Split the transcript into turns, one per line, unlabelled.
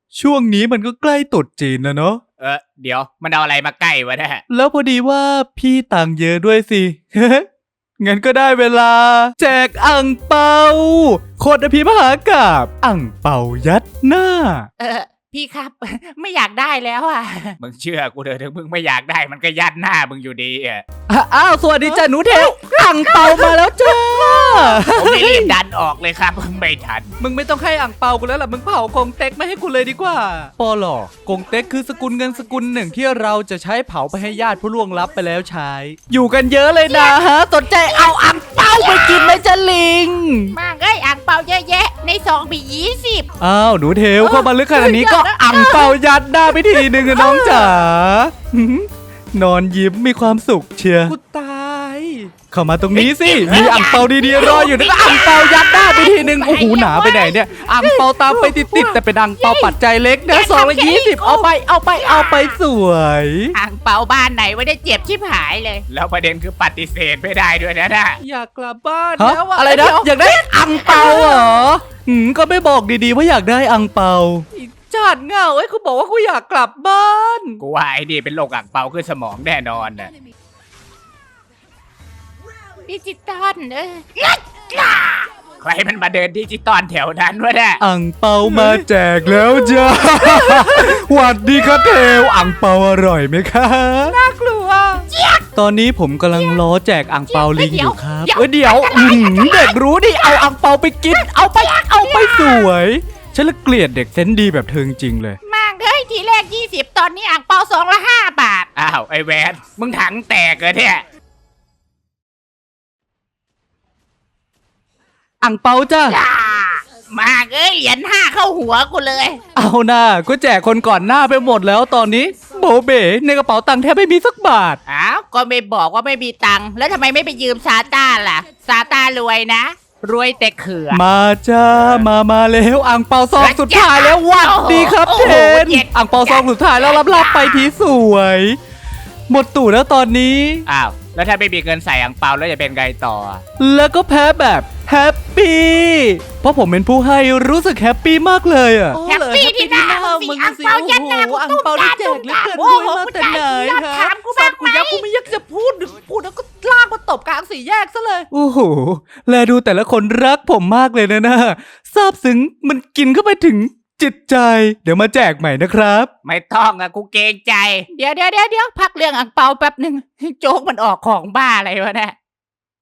ช่วงนี้มันก็ใกล้ตรุษจีนนะเนาะ
เดี๋ยวมันเอาอะไรมาใกล้วะเนี่ย
แล้วพอดีว่าพี่ตังค์เยอะด้วยสิ งั้นก็ได้เวลา แจกอ่างเปาโคตรอภิมหากาพย์อ่างเปายัดหน้า
พี่ครับ ไม่อยากได้แล้วอ่ะ
มึงเชื่อกูเถอะถึงมึงไม่อยากได้มันก็ยัดหน้ามึงอยู่ดีอ่ะ
อ้าวสวัสดีจ้าหนูเทวอ่างเปามาแล้วจ้า
ผมไม่รีบดันออกเลยครับมึงไม่ทัน
มึงไม่ต้องให้อ่างเปากูแล้วล่ะมึงเผากงเต็กไม่ให้กูเลยดีกว่าปอหลอกงเต็กคือสกุลเงินสกุลหนึ่งที่เราจะใช้เผาไปให้ญาติผู้ล่วงลับไปแล้วใช้ อยู่กันเยอะเลยนะฮะสนใจเอาอ่างเปาไปกินไหมจ๊ะลิง
มากอ่างเปาเยอะแยะในซองมี20
อ้าวหนูเทวเข้ามาลึกขนาดนี้ก็อ่างเปายัดหน้าไปทีนึงอะน้องจ๋านอนยิ้มมีความสุขเชียร์กูตายเข้ามาตรงนี้สิมีอ่างเปาดีๆรออยู่นะก็อ่างเปายัดหน้าไปทีนึงโอ้โหหนาไปไหนเนี่ยอ่างเปาตามไปติดๆแต่เป็นอ่างเปาปัจจัยเล็กนะ220เอาไปสวย
อ่างเปาบ้านไหนไว้ได้เจ็บชิบหายเลย
แล้วประเด็นคือปฏิเสธไม่ได้ด้วยนะ
อยากกลับบ้านแล้วอะไรนะอยากได้อ่างเปาเหรอก็ไม่บอกดีๆว่าอยากได้อ่างเปาจัดเงาไอ้กูบอกว่ากูอยากกลับบ้าน
กูว่าไอ้นี่เป็นโรคอ่างเปาขึ้นสมองแน่นอนน่ะ
ดิจิตอล
ใครมันมาเดินดิจิตอลแถวนั้นวะเนี่ย
อ่างเปามาแจกแล้วจ้า หวัดดีครับเทวอ่างเปาอร่อยไหมคะน่ากลัวตอนนี้ผมกำลังล้อแจกอ่างเปาลิงอยู่ครับเดี๋ยวเด็กรู้ดิเอาอ่างเปาไปกินเอาไปสวยฉันละเกลียดเด็กเซนส์ดีแบบเธอจริงเลย
มากทีแรก20ตอนนี้อ่างเปาซองละ5 บาท
อ้าวไอ้แวนมึงถังแตกเหรอเนี่ย
อ่างเปาจ้าม
ากเหรียญ5เข้าหัวกูเลย
เอาหน้าก็แจกคนก่อนหน้าไปหมดแล้วตอนนี้โบเบ้ในกระเป๋าตังค์แทบไม่มีสักบาท
อ้าวก็ไม่บอกว่าไม่มีตังค์แล้วทำไมไม่ไปยืมซาต้าล่ะซาต้ารวยนะรวยแต่เขื่อ
มาจ้ามาแล้วอ่างเปาซองสุดท้ายแล้วหวัดดีครับเทนอ่างเปาซองสุดท้ายแล้วรับไปทีสวย หมดตู่แล้วตอนนี้
อ้าวแล้วถ้าไม่มีเงินใส่อ่างเปาแล้วจะเป็นไงต่อ
แล้วก็แพ้แบบแฮปปี้เพราะผมเป็นผู้ให้รู้สึกแฮปปี้มากเลยอ่ะ
แฮปปี้ที่หน้ามึงสิอ่างเปายัดหน้ากูตุ้มตามตุ้มตามโอ้โหกูใจอยากถามกูบ้างไหม
กูไม่อยากจะพูดแล้วก็ลากมาตบกลางสี่แยกซะเลยโอ้โหแลดูแต่ละคนรักผมมากเลยนะซาบซึ้งมันกินเข้าไปถึงจิตใจเดี๋ยวมาแจกใหม่นะครับ
ไม่ต้องอะกูเกรงใจ
เดี๋ยวพักเรื่องอ่างเปาแป๊บหนึ่งโจ๊กมันออกของบ้าอะไรวะเนี่ย